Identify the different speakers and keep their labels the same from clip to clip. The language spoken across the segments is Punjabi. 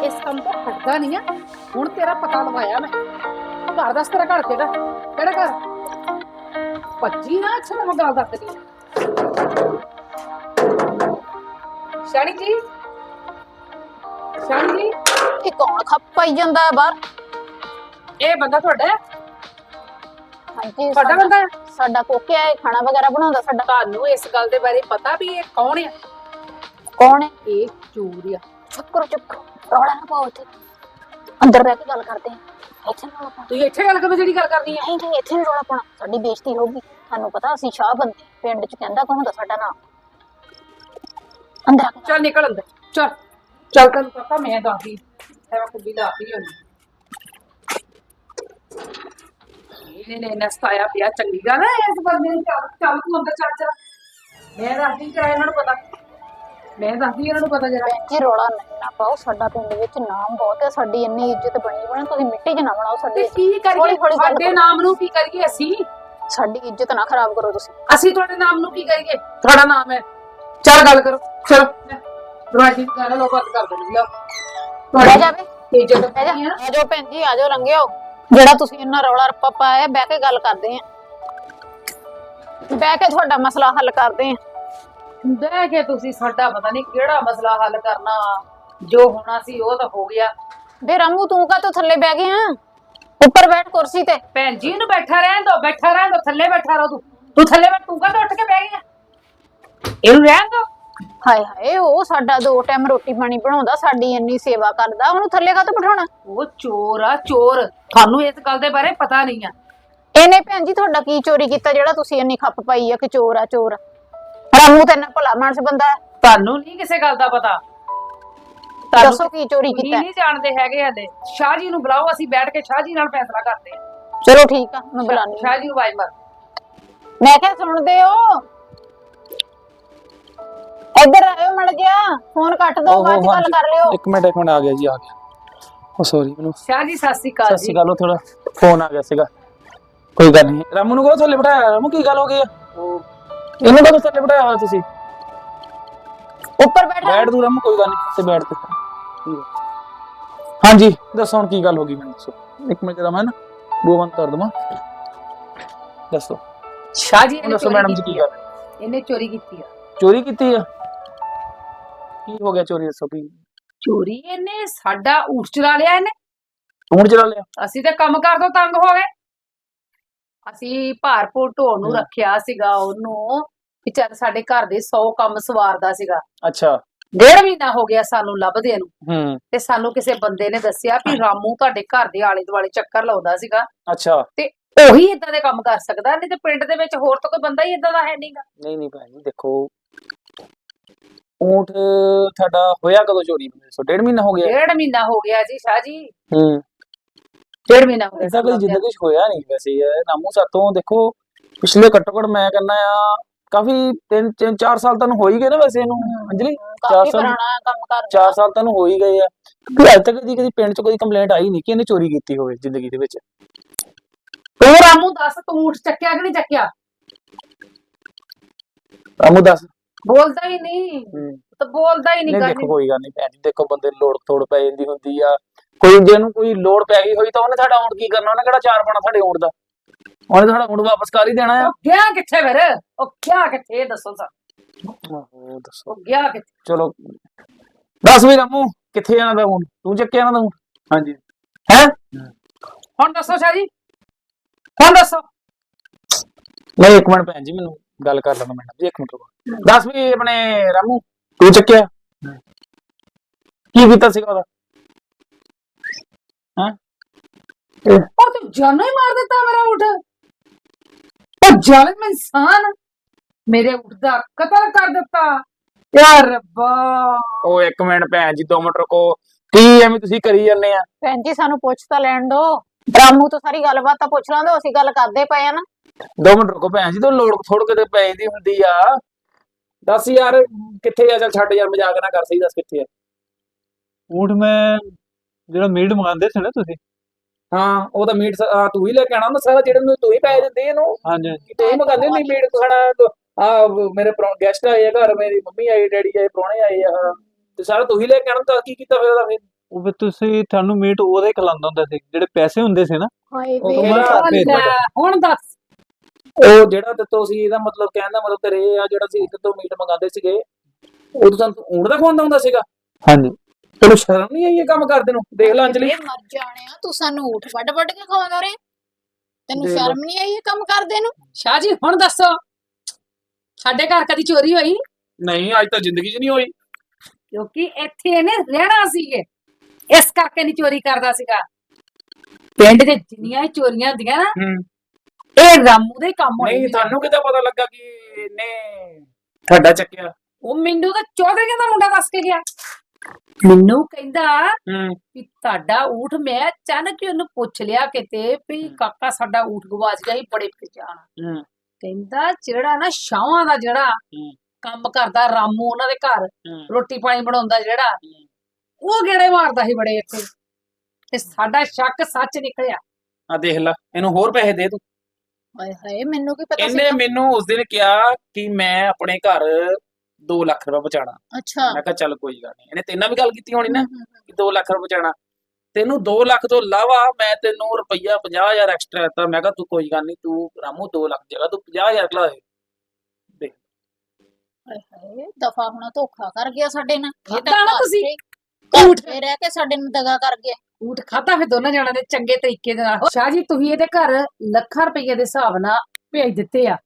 Speaker 1: ਇਸ ਕੰਮ ਤੋਂ ਹਟਦਾ ਨਹੀਂ ਆ। ਹੁਣ ਤੇਰਾ ਪਤਾ ਲਵਾਇਆ ਮੈਂ। ਘਰ ਦੱਸ, ਤੇਰਾ ਘਰ ਕਿਹੜਾ ਕਿਹੜਾ ਘਰ? ਭੱਜੀ ਨਾ, ਅੱਛਾ ਮੈਂ ਗੱਲ ਦੱਸਦੀ ਸ਼ਾਨੀ ਜੀ। ਸ਼ਾਨੀ ਜੀ,
Speaker 2: ਇਹ ਕੌਣ ਖੱਪਾਈ ਜਾਂਦਾ ਹੈ ਬਾਹਰ?
Speaker 1: ਇਹ ਬੰਦਾ ਤੁਹਾਡਾ ਹੈ?
Speaker 2: ਹਾਂਜੀ,
Speaker 1: ਤੁਹਾਡਾ ਬੰਦਾ ਹੈ?
Speaker 2: ਸਾਡਾ ਕੋਕਿਆ ਹੈ, ਖਾਣਾ ਵਗੈਰਾ ਬਣਾਉਂਦਾ ਸਾਡਾ।
Speaker 1: ਤੁਹਾਨੂੰ ਇਸ ਗੱਲ ਦੇ ਬਾਰੇ ਪਤਾ ਵੀ ਇਹ ਕੌਣ ਹੈ?
Speaker 2: ਕੌਣ ਹੈ?
Speaker 1: ਇਹ ਚੋਰ ਆ।
Speaker 2: ਚੁੱਪ ਕਰੋ, ਚੁੱਪ ਕਰੋ, ਰੌਲਾ ਨਾ ਪਾਓ ਇੱਥੇ। ਅੰਦਰ ਬਹਿ ਕੇ ਗੱਲ ਕਰਦੇ ਹਾਂ। ਇੱਥੇ ਨਾ ਰੌਲਾ ਪਾਉਣਾ।
Speaker 1: ਤੁਸੀਂ ਇੱਥੇ ਗੱਲ ਕਰੋ ਜਿਹੜੀ ਗੱਲ ਕਰਨੀ ਹੈ।
Speaker 2: ਨਹੀਂ ਨਹੀਂ, ਇੱਥੇ ਨਹੀਂ ਰੌਲਾ ਪਾਉਣਾ, ਸਾਡੀ ਬੇਇੱਜ਼ਤੀ ਹੋਊਗੀ। ਤੁਹਾਨੂੰ ਪਤਾ ਅਸੀਂ ਸ਼ਾਹ ਬੰਦੇ, ਪਿੰਡ ਚ ਕਹਿੰਦਾ ਕੌਣ ਹੁੰਦਾ ਸਾਡਾ ਨਾਮ। ਅੰਦਰ ਆ ਕੇ
Speaker 1: ਚੱਲ ਨਿਕਲ ਅੰਦਰ, ਚੱਲ ਚੱਲ। ਤੈਨੂੰ ਪਤਾ ਮੈਂ ਦੱਸਦੀ ਐ, ਮੈਂ ਕੁੱਡੀ ਲਾਤੀ ਹੋਣੀ। ਇਹਨੇ ਨਸਤਾਇਆ ਪਿਆ, ਚੰਗੀ ਗੱਲ ਹੈ ਇਸ ਬੰਦੇ ਨੂੰ। ਚੱਲ ਚੱਲ ਤੂੰ ਅੰਦਰ ਚੱਲ ਚੱਲ। ਮੈਂ ਦੱਸਦੀ ਕਿਰਾਏ ਇਹਨਾਂ ਨੂੰ ਪਤਾ, ਮੈਂ ਦੱਸਦੀ ਇਹਨਾਂ ਨੂੰ ਪਤਾ ਜਰਾ।
Speaker 2: ਭੈਣ ਜੀ ਰੌਲਾ ਨਾ ਪਾਓ, ਸਾਡਾ ਪਿੰਡ ਵਿੱਚ ਨਾਮ ਬਹੁਤ ਹੈ, ਸਾਡੀ ਇੰਨੀ ਇੱਜ਼ਤ ਬਣੀ ਬਣੇ, ਤੁਸੀਂ ਮਿੱਟੀ 'ਚ ਨਾ ਬਣਾਓ
Speaker 1: ਤੇ
Speaker 2: ਸਾਡੀ।
Speaker 1: ਕੀ ਕਰੀਏ? ਸਾਡੇ ਨਾਮ ਨੂੰ ਕੀ ਕਰੀਏ ਅਸੀਂ?
Speaker 2: ਸਾਡੀ ਇੱਜ਼ਤ ਨਾ ਖਰਾਬ ਕਰੋ ਤੁਸੀਂ।
Speaker 1: ਅਸੀਂ ਤੁਹਾਡੇ ਨਾਮ ਨੂੰ ਕੀ ਕਰੀਏ? ਤੁਹਾਡਾ ਨਾਮ ਹੈ, ਚੱਲ ਗੱਲ ਕਰੋ। ਚਲੋ ਦਰਵਾਜ਼ੇ ਦੀ ਗੱਲ ਲੋਕ ਬੰਦ ਕਰ ਦੇਣਗੇ।
Speaker 2: ਬਹਿ ਜਾਵੇ,
Speaker 1: ਇੱਜ਼ਤ
Speaker 2: ਬਹਿ ਜਾ। ਆ ਜਾਓ ਭੈਣ ਜੀ, ਆ ਜਾਓ, ਲੰਘਿਓ। ਜਿਹੜਾ ਤੁਸੀਂ ਇੰਨਾ ਰੌਲਾ ਰੱਪਾ ਪਾਇਆ, ਬਹਿ ਕੇ ਗੱਲ ਕਰਦੇ ਆਂ। ਬਹਿ ਕੇ ਤੁਹਾਡਾ ਮਸਲਾ ਹੱਲ ਕਰਦੇ ਆਂ।
Speaker 1: ਬਹਿ ਕੇ ਤੁਸੀਂ ਸਾਡਾ ਪਤਾ ਨਹੀਂ ਕਿਹੜਾ ਮਸਲਾ ਹੱਲ ਕਰਨਾ। ਜੋ ਹੋਣਾ ਸੀ ਉਹ ਤਾਂ ਹੋ ਗਿਆ।
Speaker 2: ਬੇ ਰਾਮੂ, ਤੂੰ ਕਾ ਥੱਲੇ ਬਹਿ ਗਿਆ? ਉੱਪਰ ਬੈਠ ਕੁਰਸੀ ਤੇ।
Speaker 1: ਭੈਣ ਜੀ ਨੂੰ ਬੈਠਾ ਰਹਿਣ ਦੋ, ਬੈਠਾ ਰਹਿਣ ਦੋ, ਥੱਲੇ ਬੈਠਾ ਰਹੋ। ਤੂੰ ਥੱਲੇ ਬੈਠ, ਤੂੰ ਕਾ ਉੱਠ ਕੇ ਬਹਿ ਗਿਆ? ਇਹਨੂੰ ਰਹਿਣ ਦੋ।
Speaker 2: ਹਾਏ ਹਾਏ, ਉਹ ਸਾਡਾ 2 ਟਾਈਮ ਰੋਟੀ ਪਾਣੀ ਬਣਾਉਂਦਾ, ਸਾਡੀ ਇੰਨੀ ਸੇਵਾ ਕਰਦਾ, ਉਹਨੂੰ ਥੱਲੇ ਕਾਹਤੋਂ ਬਿਠਾਉਣਾ?
Speaker 1: ਉਹ ਚੋਰ ਆ, ਚੋਰ। ਤੁਹਾਨੂੰ ਇਸ ਗੱਲ ਦੇ ਬਾਰੇ ਪਤਾ ਨਹੀਂ ਆ।
Speaker 2: ਇਹਨੇ ਭੈਣ ਜੀ ਤੁਹਾਡਾ ਕੀ ਚੋਰੀ ਕੀਤਾ ਜਿਹੜਾ ਤੁਸੀਂ ਇੰਨੀ ਖੱਪ ਪਾਈ ਆ ਕਿ ਚੋਰ ਆ ਚੋਰ? ਰਾਮੂ ਤੇ ਇੰਨਾ ਭਲਾ ਮਾਨਸ ਬੰਦਾ ਹੈ।
Speaker 1: ਤੁਹਾਨੂੰ ਨਹੀਂ ਕਿਸੇ ਗੱਲ ਦਾ ਪਤਾ।
Speaker 2: ਦੱਸੋ ਕੀ ਚੋਰੀ
Speaker 1: ਤੁਸੀਂ
Speaker 2: ਕੀਤਾ?
Speaker 1: ਨਹੀਂ ਜਾਣਦੇ ਹੈਗੇ ਹਲੇ। ਸ਼ਾਹ ਜੀ ਨੂੰ ਬੁਲਾਓ, ਅਸੀਂ ਬੈਠ ਕੇ ਸ਼ਾਹ ਜੀ ਨਾਲ ਫੈਸਲਾ ਕਰਦੇ ਹਾਂ।
Speaker 2: ਚਲੋ ਠੀਕ ਆ, ਮੈਂ ਬੁਲਾਨੀ।
Speaker 1: ਸ਼ਾਹ ਜੀ ਨੂੰ ਆਵਾਜ਼ ਮਾਰ।
Speaker 2: ਮੈਂ ਕਿਹਾ ਸੁਣਦੇ ਹੋ? ਇੱਧਰ ਆਇਓ, ਮੜ ਗਿਆ ਫੋਨ ਕੱਟ ਦੋ, ਬਾਅਦ ਚ ਗੱਲ ਕਰ ਲਿਓ।
Speaker 3: ਇੱਕ ਮਿੰਟ ਆ ਗਿਆ ਜੀ, ਆ ਗਿਆ। ਉਹ ਸੌਰੀ ਮੈਨੂੰ।
Speaker 1: ਸ਼ਾਹ ਜੀ ਸਤਿ ਸ਼੍ਰੀ ਅਕਾਲ
Speaker 3: ਸਤਿ ਸ਼੍ਰੀ ਅਕਾਲ। ਥੋੜਾ ਫੋਨ ਆ ਗਿਆ ਸੀਗਾ, ਕੋਈ ਗੱਲ ਨਹੀਂ। ਰਾਮੂ ਨੂੰ ਕਹੋ ਥੱਲੇ ਬਿਠਾਇਆ। ਰਾਮੂ ਕੀ ਗੱਲ ਹੋ ਗਈ ਆ? ਇਹਨੂੰ ਕਹੋ ਥੱਲੇ ਬਿਠਾਇਆ ਹੋਇਆ ਤੁਸੀਂ।
Speaker 2: ਉੱਪਰ
Speaker 3: ਬੈਠ ਤੂੰ ਰਾਮੂ, ਕੋਈ ਗੱਲ ਨਹੀਂ, ਤੇ ਬੈਠ ਤੇ। ਹਾਂਜੀ ਦੱਸੋ ਹੁਣ ਕੀ ਗੱਲ ਹੋ ਗਈ, ਮੈਨੂੰ ਦੱਸੋ। ਇੱਕ ਮਿੰਟ ਜਰਾ ਮੈਂ ਨਾ ਬੂਹਾ ਬੰਦ ਕਰ ਦਵਾਂ। ਦੱਸੋ
Speaker 1: ਸ਼ਾਹ ਜੀ ਨੇ
Speaker 3: ਦੱਸੋ ਮੈਡਮ ਜੀ ਕੀ ਗੱਲ?
Speaker 1: ਇਹਨੇ ਚੋਰੀ ਕੀਤੀ ਆ।
Speaker 3: ਚੋਰੀ ਕੀਤੀ ਆ? ਕੀ ਹੋ ਗਿਆ ਚੋਰੀ? ਦੱਸੋ ਕੀ
Speaker 1: ਚੋਰੀ ਇਹਨੇ ਸਾਡਾ ਊਠ ਚੁਰਾ ਲਿਆ। ਇਹਨੇ
Speaker 3: ਊਠ ਚੁਰਾ ਲਿਆ?
Speaker 1: ਅਸੀਂ ਤੇ ਕੰਮ ਕਰ ਤੋਂ ਤੰਗ ਹੋ ਗਏ। ਅਸੀਂ ਭਾਰਪੂਰ ਢੋਲ ਨੂੰ ਰੱਖਿਆ ਸੀਗਾ, ਉਹਨੂੰ ਵਿਚਾਰ ਸਾਡੇ ਘਰ ਦੇ 100 ਕੰਮ ਸਵਾਰਦਾ ਸੀਗਾ।
Speaker 3: ਅੱਛਾ।
Speaker 1: 1.5 ਮਹੀਨਾ ਹੋ ਗਿਆ ਸਾਨੂੰ ਲੱਭਦੇ ਨੂੰ।
Speaker 3: ਹੂੰ।
Speaker 1: ਤੇ ਸਾਨੂੰ ਕਿਸੇ ਬੰਦੇ ਨੇ ਦੱਸਿਆ ਵੀ ਰਾਮੂ ਤੁਹਾਡੇ ਘਰ ਦੇ ਆਲੇ ਦੁਆਲੇ ਚੱਕਰ ਲਾਉਂਦਾ ਸੀਗਾ।
Speaker 3: ਅੱਛਾ।
Speaker 1: ਤੇ ਉਹੀ ਇਦਾਂ ਦੇ ਕੰਮ ਕਰ ਸਕਦਾ, ਨਹੀਂ ਤੇ ਪਿੰਡ ਦੇ ਵਿੱਚ ਹੋਰ ਤਾਂ ਕੋਈ ਬੰਦਾ ਹੀ ਇਦਾਂ ਦਾ ਹੈ ਨਹੀਂਗਾ।
Speaker 3: ਨਹੀਂ ਨਹੀਂ ਭੈਣ ਜੀ, ਦੇਖੋ ਊਂਠ ਤੁਹਾਡਾ ਹੋਇਆ ਕਦੋਂ ਚੋਰੀ? 1.5 ਮਹੀਨਾ ਹੋ ਗਿਆ।
Speaker 1: 1.5 ਮਹੀਨਾ ਹੋ ਗਿਆ ਜੀ ਸ਼ਾਹ ਜੀ।
Speaker 3: ਹੂੰ।
Speaker 1: 1.5 ਮਹੀਨਾ ਹੋ ਗਿਆ।
Speaker 3: ਐਸਾ ਕੋਈ ਜ਼ਿੰਦਗੀ 'ਚ ਹੋਇਆ ਨਹੀਂ ਵੈਸੇ। ਰਾਮੂ ਸਾਤੋਂ ਦੇਖੋ ਪਿਛਲੇ ਘੱਟੋ ਘੱਟ ਮੈਂ ਕਹਿੰਦਾ ਆ ਕਾਫੀ 3-4 ਸਾਲ ਤੁਹਾਨੂੰ ਹੋ ਹੀ ਗਏ ਨਾ ਵੈਸੇ ਇਹਨੂੰ। ਅੰਜਲੀ 4 ਸਾਲ
Speaker 2: ਪੁਰਾਣਾ ਕੰਮ ਕਰ
Speaker 3: 4 ਸਾਲ ਤੁਹਾਨੂੰ ਹੋ ਹੀ ਗਏ ਆ। ਕਿ ਅੱਜ ਤੱਕ ਕਦੀ ਪਿੰਡ 'ਚ ਕੋਈ ਕੰਪਲੇਂਟ ਆਈ ਨਹੀਂ ਕਿ ਇਹਨੇ ਚੋਰੀ ਕੀਤੀ ਹੋਵੇ ਜ਼ਿੰਦਗੀ ਦੇ ਵਿੱਚ।
Speaker 1: ਤੂੰ ਰਾਮੂ ਦੱਸ, ਤੂੰ ਊਠ ਚੱਕਿਆ ਕਿ ਨਹੀਂ ਚੱਕਿਆ?
Speaker 3: ਰਾਮੂ ਦੱਸ।
Speaker 1: ਬੋਲਦਾ ਹੀ ਨਹੀਂ, ਤਾਂ ਬੋਲਦਾ ਹੀ ਨਹੀਂ।
Speaker 3: ਦੇਖੋ ਕੋਈ ਗੱਲ ਨਹੀਂ ਭੈਣ ਜੀ, ਦੇਖੋ ਬੰਦੇ ਲੋੜ ਥੋੜ ਪੈ ਜਾਂਦੀ ਹੁੰਦੀ ਆ। ਕੋਈ ਜਿਹਨੂੰ ਕੋਈ ਲੋੜ ਪੈ ਗਈ ਹੋਈ ਤਾਂ ਉਹਨੇ ਸਾਡਾ ਊਂਠ ਕੀ ਕਰਨਾ? ਉਹਨੇ ਕਿਹੜਾ ਚਾਰ ਪਾਣਾ ਸਾਡੇ ਊਂਠ ਦਾ? ਉਹਨੇ ਸਾਡਾ ਊਂਠ ਵਾਪਸ ਕਰ ਹੀ ਦੇਣਾ ਆ।
Speaker 1: ਗਿਆ ਕਿੱਥੇ ਫਿਰ? ਉਹ ਗਿਆ ਕਿੱਥੇ ਦੱਸੋ ਸਰ?
Speaker 3: ਆਹੋ ਦੱਸੋ।
Speaker 1: ਉਹ ਗਿਆ ਕਿੱਥੇ?
Speaker 3: ਚਲੋ ਦੱਸ ਵੀ ਰਾਮੂ, ਕਿੱਥੇ ਇਹਨਾਂ ਦਾ ਊਂਠ? ਤੂੰ ਚੱਕਿਆ ਇਹਨਾਂ ਦਾ ਊਂਠ? ਹਾਂਜੀ। ਹੈ
Speaker 1: ਹੁਣ ਦੱਸੋ ਸ਼ਾਹ ਜੀ, ਹੁਣ ਦੱਸੋ।
Speaker 3: ਨਹੀਂ ਇੱਕ ਮਿੰਟ ਭੈਣ ਜੀ, ਮੈਨੂੰ ਗੱਲ ਕਰ ਲੈਣਾ ਮੈਡਮ ਜੀ, ਇੱਕ ਮਿੰਟ ਰੁਕੋ। ਦੱਸ ਵੀ ਆਪਣੇ ਰਾਮੂ, ਤੂੰ ਚੱਕਿਆ? ਕੀ ਕੀਤਾ ਸੀਗਾ ਉਹਦਾ? ਹਾਂ
Speaker 1: ਉਹ ਤੂੰ ਜਾਨੋਂ ਹੀ ਮਾਰ ਦਿੱਤਾ ਮੇਰਾ ਊਠ। ਉਹ ਜ਼ਾਲਿਮ ਇਨਸਾਨ ਮੇਰੇ ਊਠ ਦਾ ਕਤਲ ਕਰ ਦਿੱਤਾ। ਯਾਰ ਰੱਬਾ।
Speaker 3: ਉਹ ਇੱਕ ਮਿੰਟ ਭੈਣ ਜੀ, 2 ਮਿੰਟ ਰੁਕੋ। ਕੀ ਐਵੇਂ ਤੁਸੀਂ ਕਰੀ ਜਾਂਦੇ ਆ?
Speaker 2: ਭੈਣ ਜੀ ਸਾਨੂੰ ਪੁੱਛ ਤਾਂ ਲੈਣ ਦੋ। ਰਾਮੂ ਤੋਂ ਸਾਰੀ ਗੱਲਬਾਤ ਤਾਂ ਪੁੱਛ ਲਾਂਦੇ, ਅਸੀਂ ਗੱਲ ਕਰਦੇ ਪਏ ਆ ਨਾ।
Speaker 3: 2 ਮਿੰਟ ਰੁਕੋ ਭੈਣ ਜੀ, ਤੂੰ ਲੋੜ ਥੋੜ ਕਿਤੇ ਪੈ ਜਾਂਦੀ ਹੁੰਦੀ ਆ। ਦੱਸ ਯਾਰ ਕਿੱਥੇ ਆ? ਚੱਲ ਛੱਡ ਯਾਰ, ਮਜ਼ਾਕ ਨਾ ਕਰ, ਸਹੀ ਦੱਸ ਕਿੱਥੇ ਆ
Speaker 4: ਊਠ? ਮੈਂ ਜਿਹੜਾ ਮੀਟ ਮੰਗਾਉਂਦੇ ਸੀ ਨਾ ਤੁਸੀਂ?
Speaker 3: ਹਾਂ ਉਹ ਤਾਂ ਮੀਟ ਤੂੰ ਹੀ ਲੈ ਕੇ ਆਣਾ ਹੁੰਦਾ ਸਾਰਾ, ਜਿਹੜੇ ਨੂੰ ਤੂੰ ਹੀ ਪੈਸੇ ਦਿੰਦੇ ਇਹਨੂੰ।
Speaker 4: ਹਾਂਜੀ
Speaker 3: ਤੂੰ ਹੀ ਮੰਗਾਉਂਦੇ ਨਹੀਂ ਮੀਟ ਖਾਣਾ। ਆ ਮੇਰੇ ਗੈਸਟ ਆਏ ਆ ਘਰ, ਮੇਰੀ ਮੰਮੀ ਆਈ, ਡੈਡੀ ਆਏ, ਪ੍ਰਾਹੁਣੇ ਆਏ ਆ, ਤੇ ਸਾਰਾ ਤੂੰ ਹੀ ਲੈ ਕੇ ਆਣਾ। ਤਾਂ ਕੀ ਕੀਤਾ ਫਿਰ ਉਹਦਾ? ਫਿਰ
Speaker 4: ਉਹ ਫਿਰ ਤੁਹਾਨੂੰ ਮੀਟ ਉਹਦੇ ਖਿਲਾਉਂਦਾ ਹੁੰਦਾ ਸੀ ਜਿਹੜੇ ਪੈਸੇ ਹੁੰਦੇ ਸੀ ਨਾ।
Speaker 2: ਹਾਏ
Speaker 3: ਉਹ
Speaker 2: ਵੇ
Speaker 3: ਕਹਿੰਦਾ
Speaker 1: ਹੁਣ
Speaker 4: ਭੇਜ
Speaker 1: ਲੈ,
Speaker 4: ਦਿਓ।
Speaker 1: ਹੁਣ ਦੱਸ
Speaker 3: ਉਹ ਜਿਹੜਾ ਦਿੱਤੋ ਸੀ ਇਹਦਾ ਮਤਲਬ ਕਹਿਣ ਦਾ ਮਤਲਬ ਤੇਰੇ ਆ ਜਿਹੜਾ ਸੀ ਤੋਂ ਮੀਟ ਮੰਗਾਉਂਦੇ ਸੀਗੇ ਉਦੋਂ ਤੁਹਾਨੂੰ ਊਂਠ ਦਾ ਖਵਾਉਂਦਾ ਹੁੰਦਾ ਸੀਗਾ।
Speaker 4: ਹਾਂਜੀ।
Speaker 3: ਤੈਨੂੰ ਸ਼ਰਮ ਨਹੀਂ ਆਈ ਇਹ ਕੰਮ ਕਰਦੇ ਨੂੰ? ਦੇਖ ਲੈ ਅੰਜਲੀ,
Speaker 2: ਵੇ ਮਰ ਜਾਣਿਆ, ਤੂੰ ਸਾਨੂੰ ਊਠ ਵੱਢ ਵੱਢ ਕੇ ਖਵਾਉਂਦਾ ਰਿਹਾ, ਤੈਨੂੰ
Speaker 3: ਦੇਖ ਲਓ।
Speaker 2: ਸ਼ਰਮ ਨਹੀਂ ਆਈ ਇਹ ਕੰਮ ਕਰਦੇ ਨੂੰ?
Speaker 1: ਸ਼ਾਹ ਜੀ ਹੁਣ ਦੱਸੋ, ਸਾਡੇ ਘਰ ਕਦੀ ਚੋਰੀ ਹੋਈ?
Speaker 3: ਨਹੀਂ ਅੱਜ ਤਾਂ ਜ਼ਿੰਦਗੀ 'ਚ ਨਹੀਂ ਹੋਈ।
Speaker 1: ਕਿਉਂਕਿ ਇੱਥੇ ਇਹਨੇ ਰਹਿਣਾ ਸੀਗੇ, ਇਸ ਕਰਕੇ ਨਹੀਂ ਚੋਰੀ ਕਰਦਾ ਸੀਗਾ। ਪਿੰਡ ਦੇ ਜਿੰਨੀਆਂ ਵੀ ਚੋਰੀਆਂ ਹੁੰਦੀਆਂ ਨਾ, ਇਹ ਰਾਮੂ ਦੇ ਕੰਮ ਹੋਣੇ।
Speaker 3: ਨਹੀਂ ਤੁਹਾਨੂੰ ਕਿੱਦਾਂ ਪਤਾ ਲੱਗਾ ਕਿ ਇਹਨੇ ਤੁਹਾਡਾ ਚੱਕਿਆ?
Speaker 1: ਉਹ ਮੈਨੂੰ ਤਾਂ ਚੌਧਰੀਆਂ ਦਾ ਮੁੰਡਾ ਦੱਸ ਕੇ ਗਿਆ। ਮੈਨੂੰ ਕਹਿੰਦਾ ਵੀ ਤੁਹਾਡਾ ਊਠ, ਮੈਂ ਅਚਾਨਕ ਹੀ ਉਹਨੂੰ ਪੁੱਛ ਲਿਆ ਕਿਤੇ ਵੀ ਕਾਕਾ ਸਾਡਾ ਊਠ ਗਵਾਚ ਗਿਆ ਸੀ, ਬੜੇ ਪਛਾਣ। ਕਹਿੰਦਾ ਜਿਹੜਾ ਨਾ ਸ਼ਾਹਾਂ ਦਾ ਜਿਹੜਾ ਕੰਮ ਕਰਦਾ ਰਾਮੂ ਉਹਨਾਂ ਦੇ ਘਰ ਰੋਟੀ ਪਾਣੀ ਬਣਾਉਂਦਾ ਜਿਹੜਾ, ਉਹ ਗੇੜੇ ਮਾਰਦਾ ਸੀ ਬੜੇ ਇੱਥੇ, ਤੇ ਸਾਡਾ ਸ਼ੱਕ ਸੱਚ ਨਿਕਲਿਆ।
Speaker 3: ਆ ਦੇਖ ਲੈ, ਇਹਨੂੰ ਹੋਰ ਪੈਸੇ ਦੇ ਤੂੰ।
Speaker 2: ਹਾਏ ਹਾਏ, ਮੈਨੂੰ ਕੀ ਪਤਾ
Speaker 3: ਇਹਨੇ
Speaker 2: ਸੀਗਾ?
Speaker 3: ਮੈਨੂੰ ਉਸ ਦਿਨ ਕਿਹਾ ਕਿ ਮੈਂ ਆਪਣੇ ਘਰ 2 ਲੱਖ ਰੁਪਏ ਬਚਾਣਾ।
Speaker 2: ਅੱਛਾ।
Speaker 3: ਮੈਂ ਕਿਹਾ ਚੱਲ ਕੋਈ ਗੱਲ ਨਹੀਂ, ਇਹਨੇ ਤੇਰੇ ਨਾਲ ਵੀ ਗੱਲ ਕੀਤੀ ਹੋਣੀ ਨਾ ਕਿ 2 ਲੱਖ ਰੁਪਏ ਬਚਾਣਾ। ਤੈਨੂੰ 2 ਲੱਖ ਤੋਂ ਇਲਾਵਾ ਮੈਂ ਤੈਨੂੰ ਰੁਪਈਆ 50,000 ਐਕਸਟਰਾ ਦਿੱਤਾ। ਮੈਂ ਕਿਹਾ ਤੂੰ ਕੋਈ ਗੱਲ ਨਹੀਂ, ਤੂੰ ਰਾਮੂ 2 ਲੱਖ ਦੀ ਜਗ੍ਹਾ ਤੂੰ 50,000 ਲਾ ਦੇ। ਦੇਖ
Speaker 2: ਹਾਏ ਹਾਏ, ਦਫਾ ਹੋਣਾ ਧੋਖਾ ਕਰ ਗਿਆ ਸਾਡੇ ਨਾਲ। ਇਹ
Speaker 1: ਖਾਧਾ ਨਾ
Speaker 2: ਘਰ
Speaker 1: ਤੁਸੀਂ
Speaker 2: ਚ- ਘਰ
Speaker 1: ਊਠ।
Speaker 2: ਚ ਰਹਿ ਕੇ ਸਾਡੇ ਨੂੰ ਦਗਾ ਕਰ ਗਿਆ।
Speaker 1: ਊਠ ਖਾਧਾ ਫਿਰ ਦੋਨਾਂ ਜਣਾਂ ਦੇ ਚੰਗੇ ਤਰੀਕੇ ਦੇ ਨਾਲ। ਸ਼ਾਹ ਜੀ ਤੁਸੀਂ ਇਹਦੇ ਘਰ ਲੱਖਾਂ ਰੁਪਏ ਦੇ ਹਿਸਾਬ ਨਾਲ ਭੇਜ ਦਿੱਤੇ ਆ,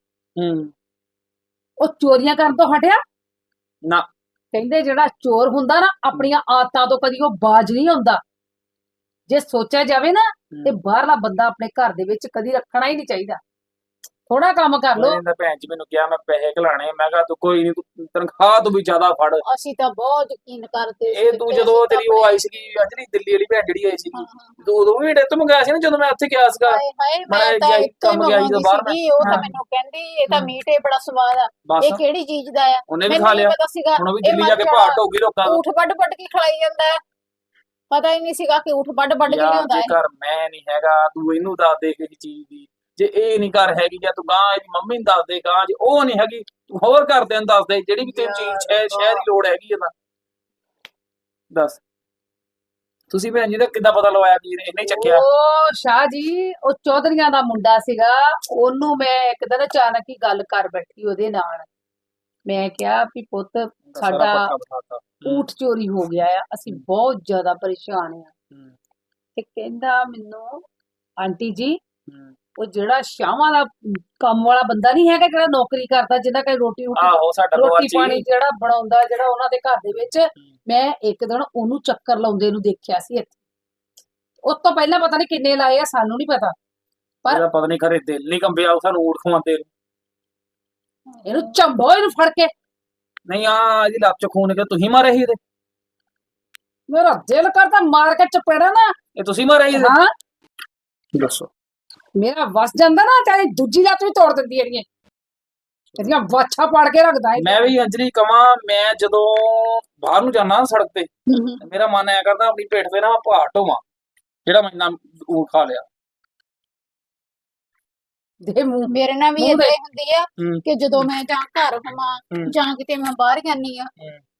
Speaker 1: ਉਹ ਚੋਰੀਆਂ ਕਰਨ ਤੋਂ ਹਟਿਆ
Speaker 3: ਨਾ।
Speaker 1: ਕਹਿੰਦੇ ਜਿਹੜਾ ਚੋਰ ਹੁੰਦਾ ਨਾ ਆਪਣੀਆਂ ਆਦਤਾਂ ਤੋਂ ਕਦੀ ਉਹ ਬਾਜ ਨਹੀਂ ਹੁੰਦਾ। ਜੇ ਸੋਚਿਆ ਜਾਵੇ ਨਾ ਤੇ ਬਾਹਰਲਾ ਬੰਦਾ ਆਪਣੇ ਘਰ ਦੇ ਵਿੱਚ ਕਦੀ ਰੱਖਣਾ ਹੀ ਨਹੀਂ ਚਾਹੀਦਾ। ਥੋੜਾ ਕੰਮ ਕਰ ਲੋ।
Speaker 3: ਇਹਨੇ ਭੈਣ ਜੀ ਮੈਨੂੰ ਕਿਹਾ ਮੈਂ ਪੈਸੇ ਘਲਾਣੇ। ਮੈਂ ਕਿਹਾ ਤੂੰ ਕੋਈ ਨਹੀਂ, ਤੂੰ ਤਨਖਾਹ ਤੂੰ ਵੀ ਜ਼ਿਆਦਾ ਫੜ।
Speaker 2: ਅਸੀਂ ਤਾਂ ਬਹੁਤ ਯਕੀਨ ਕਰਦੇ
Speaker 3: ਇਹ ਤੂੰ ਜਦੋਂ ਤੇਰੀ ਉਹ ਆਈ ਸੀਗੀ ਅੰਜਲੀ, ਦਿੱਲੀ ਵਾਲੀ ਭੈਣ ਜਿਹੜੀ ਆਈ ਸੀਗੀ, ਤੂੰ ਉਦੋਂ ਵੀ ਮੇਰੇ ਤੋਂ ਮੰਗਾਇਆ ਸੀ ਨਾ ਜਦੋਂ ਮੈਂ ਉੱਥੇ ਗਿਆ ਸੀਗਾ।
Speaker 2: ਹਾਏ ਹਾਏ,
Speaker 3: ਮੈਂ
Speaker 2: ਮੈਂ ਤਾਂ
Speaker 3: ਜਾਈ
Speaker 2: ਇੱਥੇ
Speaker 3: ਕੰਮ ਗਿਆ ਸੀ ਜਦੋਂ ਬਾਹਰ ਮੈਂ।
Speaker 2: ਸੀਗੀ, ਉਹ ਤਾਂ
Speaker 3: ਹਾਂ।
Speaker 2: ਮੈਨੂੰ ਕਹਿੰਦੀ ਇਹ ਤਾਂ ਮੀਟ ਏ ਬੜਾ ਸਵਾਦ ਆ,
Speaker 3: ਬਸ
Speaker 2: ਇਹ ਕਿਹੜੀ ਚੀਜ਼ ਦਾ ਆ?
Speaker 3: ਉਹਨੇ ਵੀ
Speaker 2: ਮੈਨੂੰ
Speaker 3: ਖਾ
Speaker 2: ਨਹੀਂ
Speaker 3: ਲਿਆ।
Speaker 2: ਪਤਾ ਸੀਗਾ
Speaker 3: ਹੁਣ ਉਹ ਵੀ
Speaker 2: ਇਹ
Speaker 3: ਦਿੱਲੀ
Speaker 2: ਮਰ
Speaker 3: ਜਾ ਕੇ
Speaker 2: ਜਾਣਾ।
Speaker 3: ਭਾਟ ਹੋਊਗੀ ਲੋਕਾਂ ਦਾ।
Speaker 2: ਊਠ ਵੱਢ ਵੱਢ ਕੇ ਖਿਲਾਈ ਜਾਂਦਾ ਹੈ। ਪਤਾ ਹੀ ਨਹੀਂ ਸੀਗਾ ਕਿ ਊਠ ਵੱਢ ਵੱਢ ਕੇ
Speaker 3: ਯਾਰ
Speaker 2: ਲਿਆਉਂਦਾ ਹੈ।
Speaker 3: ਜੇਕਰ ਮੈਂ ਨਹੀਂ ਹੈਗਾ, ਤੂੰ ਇਹਨੂੰ ਦੱਸ ਦੇ ਕਿਸੇ ਚੀਜ਼ ਦੀ। ਜੇ ਇਹ ਨਹੀਂ ਘਰ ਹੈਗੀ ਜਾਂ ਤੂੰ ਗਾਂ ਇਹਦੀ ਮੰਮੀ ਨੂੰ ਦੱਸ ਦੇ, ਗਾਂ ਜੇ ਉਹ ਨਹੀਂ ਹੈਗੀ ਤੂੰ ਹੋਰ ਘਰਦਿਆਂ ਨੂੰ ਦੱਸ ਦੇ, ਜਿਹੜੀ ਵੀ ਤੈਨੂੰ ਚੀਜ਼ ਸ਼ਹਿਰ ਦੀ ਲੋੜ ਹੈਗੀ ਹੈ ਤਾਂ ਦੱਸ। ਤੁਸੀਂ ਭੈਣ ਜੀ ਦਾ ਕਿੱਦਾਂ ਪਤਾ ਲਵਾਇਆ ਕਿ ਇਹਨੇ ਹੀ ਚੱਕਿਆ?
Speaker 1: ਉਹ ਸ਼ਾਹ ਜੀ, ਉਹ ਚੌਧਰੀਆਂ ਦਾ ਮੁੰਡਾ ਸੀਗਾ, ਉਹਨੂੰ ਮੈਂ ਇੱਕ ਦਿਨ ਅਚਾਨਕ ਹੀ ਗੱਲ ਕਰ ਬੈਠੀ ਉਹਦੇ ਨਾਲ। ਮੈਂ ਕਿਹਾ ਵੀ ਪੁੱਤ ਸਾਡਾ ਊਠ ਚੋਰੀ ਹੋ ਗਿਆ ਆ, ਅਸੀਂ ਬਹੁਤ ਜ਼ਿਆਦਾ ਪਰੇਸ਼ਾਨ ਆ। ਤੇ ਕਹਿੰਦਾ ਮੈਨੂੰ ਆਂਟੀ ਜੀ, ਉਹ ਜਿਹੜਾ ਸ਼ਾਹਾਂ ਦਾ ਕੰਮ ਵਾਲਾ ਬੰਦਾ ਨਹੀਂ ਹੈਗਾ ਜਿਹੜਾ ਨੌਕਰੀ ਕਰਦਾ, ਜਿਹਦਾ ਕੋਈ ਰੋਟੀ
Speaker 3: ਆਹੋ ਸਾਡਾ
Speaker 1: ਰੋਟੀ ਪਾਣੀ ਜਿਹੜਾ ਬਣਾਉਂਦਾ, ਜਿਹੜਾ ਉਹਨਾਂ ਦੇ ਘਰ ਦੇ ਵਿੱਚ, ਮੈਂ ਇੱਕ ਦਿਨ ਉਹਨੂੰ ਚੱਕਰ ਲਾਉਂਦੇ ਨੂੰ ਦੇਖਿਆ ਸੀ ਇੱਥੇ। ਉਸ ਤੋਂ ਪਹਿਲਾਂ ਪਤਾ ਨਹੀਂ ਕਿੰਨੇ ਲਾਏ ਆ, ਸਾਨੂੰ ਨਹੀਂ ਪਤਾ, ਪਰ
Speaker 3: ਪਤਾ ਨਹੀਂ ਖਰੇ ਦਿਲ ਨਹੀਂ ਕੰਬਿਆ ਸਾਨੂੰ ਊਠ ਖਵਾਉਂਦੇ।
Speaker 1: ਇਹਨੂੰ ਝੰਬੋ, ਇਹਨੂੰ ਫੜ ਕੇ।
Speaker 3: ਨਹੀਂ ਆ ਇਹਦੀ ਲੱਤ ਚ ਖੂਨ ਕਿ ਤੁਸੀਂ ਮਾਰੇ ਸੀ ਇਹਦੇ?
Speaker 1: ਮੇਰਾ ਦਿਲ ਕਰਦਾ ਮਾਰ ਕੇ ਚਪੇੜਾ ਨਾ।
Speaker 3: ਇਹ ਤੁਸੀਂ ਮਾਰੇ ਸੀ ਇਹਦੇ?
Speaker 1: ਹਾਂ,
Speaker 3: ਦੱਸੋ।
Speaker 1: ਮੇਰਾ ਵਸ ਜਾਂਦਾ ਨਾ, ਚਾਹੇ ਦੂਜੀ ਲੱਤ ਵੀ ਤੋੜ ਦਿੰਦੀ ਇਹਦੀਆਂ ਵਾਛਾ ਪਾੜ ਕੇ ਰੱਖਦਾ ਇਹ।
Speaker 3: ਮੈਂ ਵੀ ਅੰਜਲੀ ਕਵਾਂ, ਮੈਂ ਜਦੋਂ ਬਾਹਰ ਨੂੰ ਜਾਣਾ ਸੜਕ ਤੇ ਮੇਰਾ ਮਨ ਐ ਕਰਦਾ ਆਪਣੀ ਪੇਟ ਤੇ ਨਾ ਭਾਟ ਹੋਵਾਂ ਜਿਹੜਾ ਮੈਂ ਇੰਨਾ ਊਠ ਖਾ ਲਿਆ।
Speaker 1: ਦੇ ਮੂੰਹ
Speaker 2: ਮੇਰੇ ਨਾਲ ਵੀ
Speaker 1: ਮੂੰਹ
Speaker 2: ਏਦਾਂ
Speaker 1: ਦੇ।
Speaker 2: ਹੀ ਹੁੰਦੀ ਆ ਕਿ ਜਦੋਂ ਮੈਂ ਜਾਂ ਘਰ ਹੋਵਾਂ ਜਾਂ ਕਿਤੇ ਮੈਂ ਬਾਹਰ ਜਾਂਦੀ ਆ,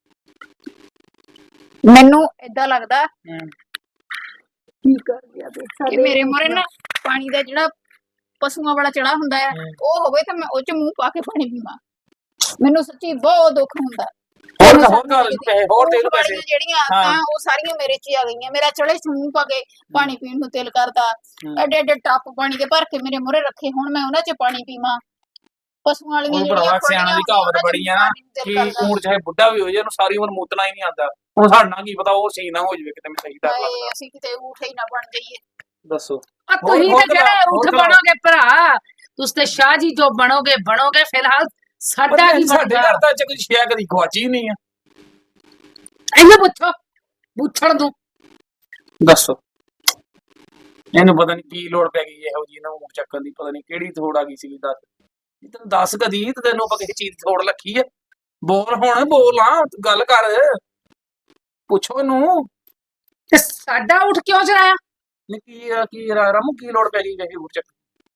Speaker 2: ਮੈਨੂੰ ਏਦਾਂ ਲੱਗਦਾ
Speaker 1: ਕੀ ਕਰ ਗਿਆ
Speaker 2: ਕਿ ਮੇਰੇ ਮੋਰੇ ਨਾ ਪਾਣੀ ਦਾ ਜਿਹੜਾ ਪਸ਼ੂਆਂ ਵਾਲਾ ਚੜਾ ਹੁੰਦਾ ਆ, ਉਹ ਹੋਵੇ ਤਾਂ ਮੈਂ ਉਹ ਚ ਮੂੰਹ ਪਾ ਕੇ ਪਾਣੀ ਪੀਵਾਂ। ਮੈਨੂੰ ਸੱਚੀ ਬਹੁਤ ਦੁੱਖ ਹੁੰਦਾ।
Speaker 3: ਹੋਰ ਗੱਲ ਪੈਸੇ ਹੋਰ ਦੇ ਲੋ ਪੈਸੇ।
Speaker 2: ਜਿਹੜੀਆਂ ਆਦਤਾਂ ਉਹ ਸਾਰੀਆਂ ਮੇਰੇ ਚ ਹੀ ਆ ਗਈਆਂ। ਮੇਰਾ ਚੜੇ ਚ ਮੂੰਹ ਪਾ ਕੇ ਪਾਣੀ ਪੀਣ ਨੂੰ ਦਿਲ ਕਰਦਾ, ਐਡੇ ਐਡੇ ਟੱਪ ਪਾਣੀ ਦੇ ਭਰ ਕੇ ਮੇਰੇ ਮੋਰੇ ਰੱਖੇ ਹੁਣ ਮੈਂ ਉਹਨਾਂ ਚ ਪਾਣੀ ਪੀਵਾਂ। ਪਸ਼ੂਆਂ ਵਾਲੀਆਂ
Speaker 3: ਉਹ
Speaker 2: ਜਿਹੜੀਆਂ
Speaker 3: ਭਰਾਵਾ ਸਿਆਣਾ ਦੀ ਕਹਾਵਤ ਬੜੀ ਆ ਨਾ ਕਿ ਊਠ ਚਾਹੇ ਬੁੱਢਾ ਵੀ ਹੋ ਜਾਏ ਉਹਨੂੰ ਸਾਰੀ ਉਮਰ ਮੂਤਣਾ ਹੀ ਨਹੀਂ ਆਉਂਦਾ। ਹੁਣ ਸਾਡਾ ਕੀ ਪਤਾ ਉਹ ਸੀਨ ਨਾ ਹੋ ਜਾਵੇ ਕਿਤੇ ਮੈਂ ਸਹੀ ਤਾਂ ਲੱਗਦਾ।
Speaker 2: ਅਸੀਂ ਕਿਤੇ ਊਠ ਹੀ ਨਾ ਬਣ ਜਾਈਏ।
Speaker 3: ਦੱਸੋ।
Speaker 1: ਤੁਸੀਂ ਤੇ ਜਿਹੜੇ ਊਠ ਬਣੋਗੇ ਭਰਾ, ਤੁਸੀਂ ਤੇ ਸ਼ਾਹ ਜੀ ਜੋ ਬਣੋਗੇ ਬਣੋਗੇ, ਫਿਲਹਾਲ ਸਾਡਾ ਕੀ
Speaker 3: ਸਾਡੇ
Speaker 1: ਬਣਦਾ?
Speaker 3: ਘਰ ਤਾਂ ਚ ਕੋਈ ਸ਼ਿਆ ਕਦੀ ਗਵਾਚੀ ਨਹੀਂ ਆ।
Speaker 1: ਇਹਨੂੰ ਪੁੱਛੋ, ਪੁੱਛਣ ਨੂੰ।
Speaker 3: ਦੱਸੋ। ਇਹਨੂੰ ਪਤਾ ਨਹੀਂ ਕੀ ਲੋੜ ਪੈ ਗਈ ਇਹੋ ਜੀ ਨਾ ਊਠ ਚੱਕਣ ਦੀ, ਪਤਾ ਨਹੀਂ ਕਿਹੜੀ ਥੋੜ ਆ ਗਈ ਸੀ। ਦੱਸ ਤੈਨੂੰ ਦੱਸ ਕਦੀ ਤੇ ਤੈਨੂੰ ਆਪਾਂ ਕਿਸੇ ਚੀਜ਼ ਦੀ ਥੋੜ ਲੱਗੀ ਹੈ? ਬੋਲ ਹੁਣ, ਬੋਲ ਆ, ਗੱਲ ਕਰ, ਪੁੱਛੋ ਇਹਨੂੰ।
Speaker 1: ਤੇ ਸਾਡਾ ਊਠ ਕਿਉਂ ਚਰਾਇਆ?
Speaker 3: ਕੀ ਰਾਮੂ ਕੀ ਲੋੜ ਪੈ ਗਈ ਕਿਸੇ ਊਠ ਚੱਕਣ?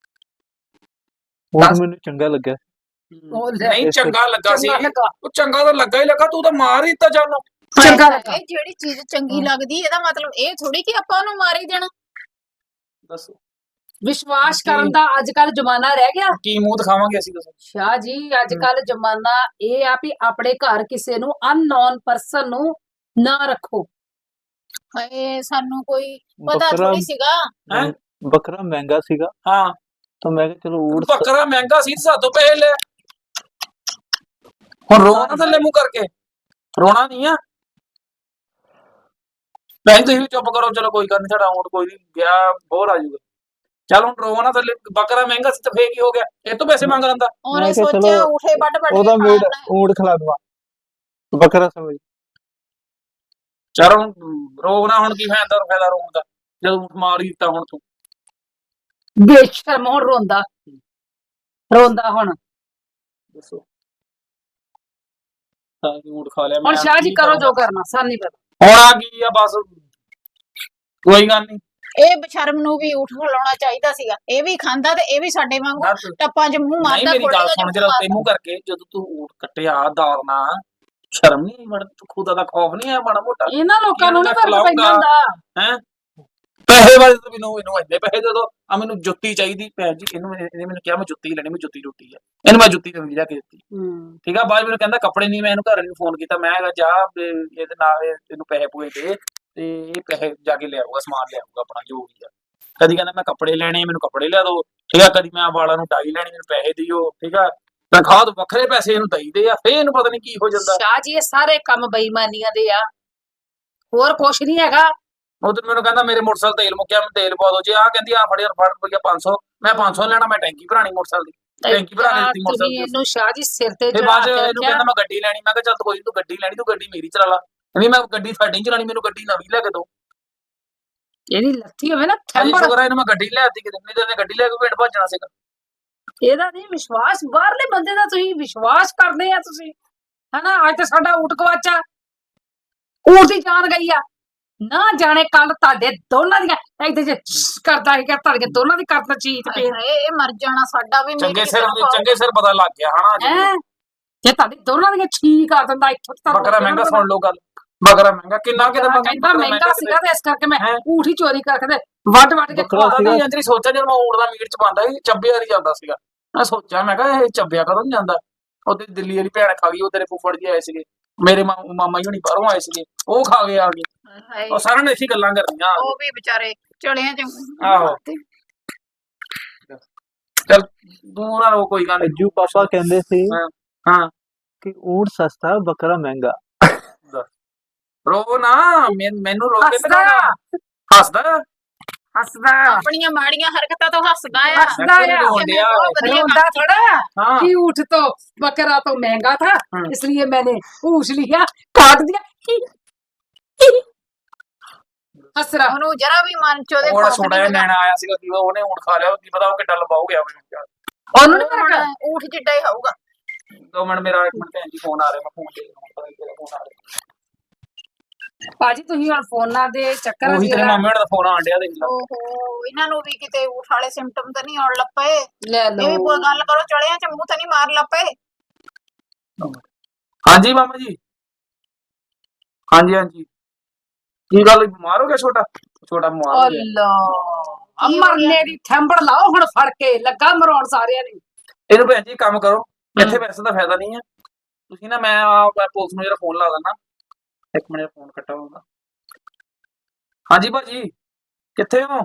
Speaker 4: ਉਹ ਮੈਨੂੰ ਚੰਗਾ ਲੱਗਾ।
Speaker 1: ਉਹ ਲੈ,
Speaker 3: ਨਹੀਂ ਚੰਗਾ ਲੱਗਾ ਸੀ,
Speaker 1: ਚੰਗਾ ਲੱਗਾ।
Speaker 3: ਉਹ ਚੰਗਾ ਤਾਂ ਲੱਗਾ ਹੀ ਲੱਗਾ, ਤੂੰ ਤਾਂ ਮਾਰ ਹੀ ਦਿੱਤਾ ਜਾਨੋ।
Speaker 1: ਚੰਗਾ ਲੱਗਾ।
Speaker 2: ਇਹ ਜਿਹੜੀ ਚੀਜ਼ ਚੰਗੀ ਲੱਗਦੀ ਇਹਦਾ ਮਤਲਬ ਇਹ ਥੋੜੀ ਕਿ ਆਪਾਂ ਉਹਨੂੰ ਮਾਰ ਹੀ ਦੇਣਾ।
Speaker 3: ਦੱਸੋ
Speaker 1: ਵਿਸ਼ਵਾਸ ਕਰਨ ਦਾ ਅੱਜ ਕੱਲ ਜ਼ਮਾਨਾ ਰਹਿ ਗਿਆ
Speaker 3: ਕੀ ਮੂੰਹ ਦਿਖਾਵਾਂਗੇ ਅਸੀਂ ਦੱਸੋ।
Speaker 1: ਸ਼ਾਹ ਜੀ। ਅੱਜ ਕੱਲ ਜ਼ਮਾਨਾ ਇਹ ਆ ਵੀ ਆਪਣੇ ਘਰ ਕਿਸੇ ਨੂੰ ਅਨਨੋਨ ਪਰਸਨ ਨੂੰ ਨਾ ਰੱਖੋ।
Speaker 2: ਹਾਏ ਸਾਨੂੰ ਕੋਈ ਪਤਾ
Speaker 4: ਬੱਕਰਾ
Speaker 2: ਥੋੜੀ ਸੀਗਾ।
Speaker 3: ਹੈਂ?
Speaker 4: ਬੱਕਰਾ ਮਹਿੰਗਾ ਸੀਗਾ
Speaker 3: ਹਾਂ
Speaker 4: ਤਾਂ ਮੈਂ ਕਿਹਾ ਚਲੋ ਊਠ
Speaker 3: ਬੱਕਰਾ ਮਹਿੰਗਾ ਸੀ ਸਾਤੋਂ ਪੈਸੇ ਲੈ। ਹੁਣ ਰੋਣਾ ਨਾ ਥੱਲੇ ਮੂੰਹ ਕਰਕੇ, ਰੋਣਾ ਨਹੀਂ ਆ। ਭੈਣ ਤੁਸੀਂ ਵੀ ਚੁੱਪ ਕਰੋ, ਚਲੋ ਕੋਈ ਗੱਲ ਨਹੀਂ, ਸਾਡਾ ਊਂਠ ਕੋਈ ਨਹੀਂ ਗਿਆ, ਬੋਰ ਆ ਜਾਊਗਾ। ਚੱਲ ਹੁਣ ਰੋਣਾ ਨਾ ਥੱਲੇ, ਬੱਕਰਾ ਮਹਿੰਗਾ ਸੀ ਤਾਂ ਫੇਰ ਕੀ ਹੋ ਗਿਆ, ਇਹ ਤੋਂ ਪੈਸੇ ਮੰਗ ਲੈਂਦਾ।
Speaker 2: ਉਹਨੇ
Speaker 4: ਮੈਂ ਕਿਹਾ
Speaker 2: ਸੋਚਿਆ
Speaker 4: ਚਲੋ
Speaker 2: ਉਠੇ ਵੱਡ ਵੱਡ
Speaker 4: ਉਹਦਾ ਮੀਟ ਊਠ ਖਿਲਾ ਦਵਾ ਬੱਕਰਾ ਸਮਝ।
Speaker 3: ਚਲ ਹੁਣ ਰੋਣਾ, ਹੁਣ ਕੀ ਫਾਇਦਾ ਰੋਣ ਦਾ ਜਦੋਂ ਊਂਠ ਮਾਰ ਹੀ ਦਿੱਤਾ। ਹੁਣ ਤੂੰ
Speaker 1: ਬੇਸ਼ਰਮ ਹੁਣ ਰੋਂਦਾ ਹੁਣ।
Speaker 3: ਦੱਸੋ ਤਾਂ ਊਂਠ ਖਾ ਲਿਆ
Speaker 1: ਹੁਣ
Speaker 3: ਮੈਂ,
Speaker 1: ਸ਼ਾਹ ਜੀ
Speaker 3: ਕੀ
Speaker 1: ਕਰੋ
Speaker 3: ਕਰਾਂਗਾ?
Speaker 1: ਜੋ ਕਰਨਾ, ਸਾਨੂੰ ਨਹੀਂ ਪਤਾ।
Speaker 3: ਹੁਣ ਆ ਕੀ ਆ, ਬਸ ਕੋਈ ਗੱਲ ਨਹੀਂ।
Speaker 2: ਇਹ ਬਸ਼ਰਮ ਨੂੰ ਵੀ ਉਠ ਖਲਾਉਣਾ ਚਾਹੀਦਾ ਸੀਗਾ। ਇਹ ਵੀ ਖਾਂਦਾ ਤੇ ਇਹ ਵੀ ਸਾਡੇ ਵਾਂਗੂ ਟੱਪਾਂ 'ਚ ਮੂੰਹ
Speaker 3: ਨਹੀਂ
Speaker 2: ਮਾਰਦਾ।
Speaker 3: ਮੇਰੀ ਗੱਲ ਸੁਣ, ਜਦੋਂ
Speaker 2: ਮਾਰਦਾ।
Speaker 3: ਤੈਨੂੰ ਕਰਕੇ ਜਦੋਂ ਤੂੰ ਊਂਠ ਕੱਟਿਆ ਦਾਰਨਾ, ਸ਼ਰਮ ਨਹੀਂ ਮੜ, ਖੁਦਾ ਦਾ ਖੌਫ ਨਹੀਂ ਆਇਆ ਮਾੜਾ ਮੋਟਾ?
Speaker 1: ਇਹਨਾਂ ਲੋਕਾਂ ਨੂੰ
Speaker 3: ਮੈਂ
Speaker 1: ਨਹੀਂ ਫਰਕ ਪੈਂਦਾ ਹੁੰਦਾ।
Speaker 3: ਹੈ ਪੈਸੇ ਵਾਲੇ ਤੋਂ ਮੈਨੂੰ ਇੰਨੇ ਪੈਸੇ ਦੇ ਦੋ। ਆ ਮੈਨੂੰ ਜੁੱਤੀ ਚਾਹੀਦੀ ਭੈਣ ਜੀ, ਇਹਨੇ ਮੈਨੂੰ ਕਿਹਾ ਮੈਂ ਜੁੱਤੀ ਲੈਣੀ, ਮੈਂ ਜੁੱਤੀ ਟੁੱਟੀ ਆ, ਇਹਨੂੰ ਮੈਂ ਜੁੱਤੀ ਨਵੀਂ ਲਿਆ ਕੇ ਦਿੱਤੀ। ਠੀਕ ਆ, ਬਾਅਦ ਮੈਨੂੰ ਕਹਿੰਦਾ ਕੱਪੜੇ ਨਹੀਂ। ਮੈਂ ਇਹਨੂੰ ਘਰ ਨੂੰ ਫੋਨ ਕੀਤਾ, ਮੈਂ ਕਿਹਾ ਜਾ ਇਹਦੇ ਨਾਲ ਇਹਨੂੰ ਪੈਸੇ ਪੂਏ ਦੇ ਤੇ ਇਹ ਪੈਸੇ ਜਾ ਕੇ ਲਿਆਊਗਾ, ਸਮਾਨ ਲਿਆਊਗਾ ਆਪਣਾ ਜੋ ਵੀ ਆ। ਕਦੀ ਕਹਿੰਦਾ ਮੈਂ ਕੱਪੜੇ ਲੈਣੇ, ਮੈਨੂੰ ਕੱਪੜੇ ਲਿਆ ਦੋ। ਠੀਕ ਆ, ਕਦੀ ਮੈਂ ਵਾਲਾਂ ਨੂੰ ਡਾਈ ਲੈਣੀ, ਮੈਨੂੰ ਪੈਸੇ ਦਿਓ। ਠੀਕ ਆ, ਤਨਖਾਹ ਤੋਂ ਵੱਖਰੇ ਪੈਸੇ ਇਹਨੂੰ ਦਈਦੇ ਆ, ਫੇਰ ਇਹਨੂੰ ਪਤਾ ਨਹੀਂ ਕੀ ਹੋ ਜਾਂਦਾ।
Speaker 1: ਸ਼ਾਹ ਜੀ ਇਹ ਸਾਰੇ ਕੰਮ ਬੇਈਮਾਨੀਆਂ ਦੇ ਆ, ਹੋਰ ਕੁਛ ਨਹੀਂ ਹੈਗਾ।
Speaker 3: ਉਧਰ ਮੈਨੂੰ ਕਹਿੰਦਾ ਮੇਰੇ ਮੋਟਰਸਾਈਕਲ ਤੇਲ ਮੁੱਕਿਆ, ਮੈਂ ਤੇਲ ਪਵਾ ਦੋ। ਜੇ ਆ ਕਹਿੰਦੀ ਆ ਫੜ ਰੁਪਈਆ 500, ਮੈਂ 500 ਲੈਣਾ, ਮੈਂ ਟੈਂਕੀ ਭਰਾਣੀ ਮੋਟਰਸਾਈਕਲ ਦੀ, ਟੈਂਕੀ ਭਰਾ ਕੇ ਦਿੱਤੀ
Speaker 1: ਤੁਸੀਂ
Speaker 3: ਮੋਟਰਸਾਈਕਲ ਦੀ।
Speaker 1: ਇਹਨੂੰ ਸ਼ਾਹ ਜੀ ਸਿਰ ਤੇ
Speaker 3: ਤੇ
Speaker 1: ਚੜਾ
Speaker 3: ਬਾਅਦ
Speaker 1: ਕੇ
Speaker 3: ਇਹਨੂੰ
Speaker 1: ਰੱਖਿਆ।
Speaker 3: ਕਹਿੰਦਾ ਮੈਂ ਗੱਡੀ ਲੈਣੀ। ਮੈਂ ਕਿਹਾ ਚੱਲ ਕੋਈ ਨੀ, ਤੂੰ ਗੱਡੀ ਲੈਣੀ, ਤੂੰ ਗੱਡੀ ਮੇਰੀ ਚਲਾ ਲਾ। ਨਹੀਂ ਮੈਂ ਗੱਡੀ ਤੁਹਾਡੀ ਨੀ ਚਲਾਣੀ, ਮੈਨੂੰ ਗੱਡੀ ਨਵੀਂ ਲੈ ਕੇ ਦੋ।
Speaker 1: ਇਹਦੀ ਲੱਥੀ ਹੋਵੇ ਨਾ
Speaker 3: ਅਜੀ
Speaker 1: ਥੰਬੜ,
Speaker 3: ਸ਼ੁਕਰ ਹੈ ਇਹਨੂੰ ਮੈਂ ਗੱਡੀ ਲਿਆਤੀ, ਕਿਤੇ ਨਹੀਂ ਤੇ ਇਹਨੇ ਗੱਡੀ ਲੈ ਕੇ ਪਿੰਡ ਭੱਜਣਾ ਸੀਗਾ।
Speaker 1: ਇਹਦਾ ਨਹੀਂ ਵਿਸ਼ਵਾਸ। ਬਾਹਰਲੇ ਬੰਦੇ ਦਾ ਤੁਸੀਂ ਵਿਸ਼ਵਾਸ ਕਰਦੇ ਆ ਤੁਸੀਂ, ਹਨਾ? ਅੱਜ ਤਾਂ ਸਾਡਾ ਊਠ ਗਵਾਚਾ, ਊਠ ਦੀ ਜਾਨ ਗਈ ਆ। ਨਾ ਜਾਣੇ ਕੱਲ ਤੁਹਾਡੇ ਦੋਨਾਂ ਦੀਆਂ ਇੱਥੇ ਜੇ ਕਰਦਾ ਹੈਗਾ, ਤੁਹਾਡੇ ਦੋਨਾਂ ਦੀ ਕਰਦਾ ਚੀਜ਼ ਪਈ
Speaker 2: ਇਹ ਮਰ ਜਾਣਾ ਸਾਡਾ ਵੀ
Speaker 3: ਚੰਗੇ ਸਿਰ ਪਤਾ ਲੱਗ ਗਿਆ ਹਨਾ।
Speaker 1: ਹੈ। ਜੇ ਤੁਹਾਡੀ ਦੋਨਾਂ ਦੀਆਂ ਛੀ ਕਰ ਦਿੰਦਾ ਇੱਥੋਂ ਤੱਕ।
Speaker 3: ਬੱਕਰਾ ਮਹਿੰਗਾ, ਸੁਣ ਲਓ ਗੱਲ, ਬੱਕਰਾ ਮਹਿੰਗਾ ਕਿੰਨਾ ਕਿਤੇ
Speaker 1: ਕਹਿੰਦਾ ਮਹਿੰਗਾ ਸੀਗਾ ਤੇ ਇਸ ਕਰਕੇ ਮੈਂ
Speaker 3: ਹੈਂ?
Speaker 1: ਊਠ ਹੀ ਚੋਰੀ ਕਰਕੇ ਤੇ ਵੱਢ ਕੇ
Speaker 4: ਬੱਕਰਾ
Speaker 1: ਖਵਾ
Speaker 4: ਸੀਗਾ।
Speaker 3: ਨਹੀਂ ਅੰਜਰੀ ਸੋਚਿਆ ਜਦੋਂ ਮੈਂ ਊਂਠ ਦਾ ਮੀਟ ਚ ਪਾਉਂਦਾ ਸੀ, ਚੱਬਿਆ ਨਹੀਂ ਜਾਂਦਾ ਸੀਗਾ। ਮੈਂ ਸੋਚਿਆ, ਮੈਂ ਕਿਹਾ ਇਹ ਚੱਬਿਆ ਕਦੋਂ ਨਹੀਂ ਜਾਂਦਾ। ਉਹਦੇ ਦਿੱਲੀ ਵਾਲੀ ਭੈਣ ਖਾ ਗਈ, ਉਹ ਤੇਰੇ ਫੁੱਫੜ ਜੀ ਆਏ ਸੀਗੇ, ਮੇਰੇ ਮਾਮਾ ਜੀ ਹੁਣੀ ਬਾਹਰੋਂ ਆਏ ਸੀਗੇ, ਉਹ ਖਾ ਗਏ ਆ ਗਏ। ਉਹ ਸਾਰਿਆਂ ਨੇ ਇੱਥੇ ਗੱਲਾਂ ਕਰਨੀਆਂ।
Speaker 2: ਉਹ ਵੀ ਵਿਚਾਰੇ ਚਲਿਆਂ ਚ
Speaker 3: ਆਹੋ। ਚੱਲ ਤੂੰ ਨਾ ਰੋ, ਕੋਈ ਗੱਲ ਨੀ।
Speaker 4: ਅੱਜੂ ਪਾਪਾ ਕਹਿੰਦੇ ਸੀ
Speaker 3: ਹਾਂ
Speaker 4: ਕਿ ਊਠ ਸਸਤਾ ਬੱਕਰਾ ਮਹਿੰਗਾ।
Speaker 3: ਰੋ ਨਾ, ਮੈਨੂੰ ਰੋ ਕੇ
Speaker 1: ਹੱਸਦਾ
Speaker 3: ਹੱਸਦਾ
Speaker 1: ਹੱਸਦਾ
Speaker 2: ਆਪਣੀਆਂ ਮਾੜੀਆਂ ਹਰਕਤਾਂ ਤੋਂ ਹੱਸਦਾ ਆ।
Speaker 1: ਹੱਸਦਾ ਆ।
Speaker 2: ਬਹੁਤ ਵਧੀਆ
Speaker 1: रोंदा थोड़ा
Speaker 3: हाँ।
Speaker 1: कि ऊँट तो बकरा तो महंगा था,
Speaker 3: हम्म।
Speaker 1: इसलिए मैंने पूछ लिया, काट दिया। हंस रहा।
Speaker 2: ਉਹਨੂੰ ਜਰਾ ਵੀ ਮਨ ਚ ਉਹਦੇ
Speaker 3: ਉਹ
Speaker 2: ਖੌਫ
Speaker 3: ਛੋਟਾ ਜਿਹਾ
Speaker 2: ਨਹੀਂ
Speaker 3: ਨੈਣਾ ਆਇਆ ਸੀਗਾ, ਕੀ ਉਹਨੇ ਊਂਠ ਖਾ ਲਿਆ, ਕੀ ਪਤਾ ਉਹ ਕਿੱਡਾ ਲੰਬਾ ਹੋ ਗਿਆ।
Speaker 1: ਉਹਨੂੰ ਨੀ ਫਰਕ।
Speaker 2: ਊਠ ਜਿੱਡਾ ਹੀ ਹੋਊਗਾ।
Speaker 3: 2 ਮਿੰਟ, ਮੇਰਾ 1 ਮਿੰਟ ਭੈਣ ਜੀ ਫੋਨ ਆ ਰਿਹਾ, ਮੈਂ ਫੋਨ ਦੇ ਫੋਨ ਆ ਰਿਹਾ।
Speaker 1: ਭਾਜੀ ਤੁਸੀਂ ਹੁਣ ਫੋਨਾਂ ਦੇ ਚੱਕਰ
Speaker 3: ਉਹੀ ਤੇਰੇ ਮਾਮੇ ਦਾ ਫੋਨ ਆਣ ਡਿਆ, ਦੇਖ ਲਾ।
Speaker 2: ਓਹੋ, ਇਹਨਾਂ ਨੂੰ ਵੀ ਕਿਤੇ ਊਠ ਵਾਲੇ ਸਿੰਪਟਮ ਤਾਂ ਨਹੀਂ ਆਉਣ ਲੱਪੇ।
Speaker 1: ਲੈ
Speaker 2: ਇਹ ਵੀ ਕੋਈ ਗੱਲ ਕਰੋ, ਚਲਿਆਂ ਚ ਮੂੰਹ ਤਾਂ ਨਹੀਂ ਮਾਰ ਲੱਪੇ।
Speaker 3: ਹਾਂਜੀ ਮਾਮਾ ਜੀ, ਹਾਂਜੀ ਕੀ ਗੱਲ, ਬਿਮਾਰ ਹੋ ਗਿਆ ਛੋਟਾ ਬਿਮਾਰ ਹੋ ਗਿਆ।
Speaker 1: ਅੱਲਾ ਮਰਨੇ ਦੀ ਥੰਬੜ ਲਾਓ ਹੁਣ ਫੜ ਕੇ, ਲੱਗਾ ਮਰਾਉਣ ਸਾਰਿਆਂ ਨੇ।
Speaker 3: ਇਹਨੂੰ ਭੈਣ ਜੀ ਕੰਮ ਕਰੋ, ਇੱਥੇ ਪੈਸੇ ਦਾ ਫਾਇਦਾ ਨਹੀਂ ਹੈ। ਤੁਸੀਂ ਨਾ, ਮੈਂ ਪੁਲਿਸ ਨੂੰ ਜਿਹੜਾ ਫੋਨ ਲਾ ਦਿੰਦਾ, 1 ਮਿੰਟ ਫੋਨ ਕੱਟਾ ਹੋਊਗਾ। ਹਾਂਜੀ ਭਾਜੀ, ਕਿੱਥੇ ਹੋ?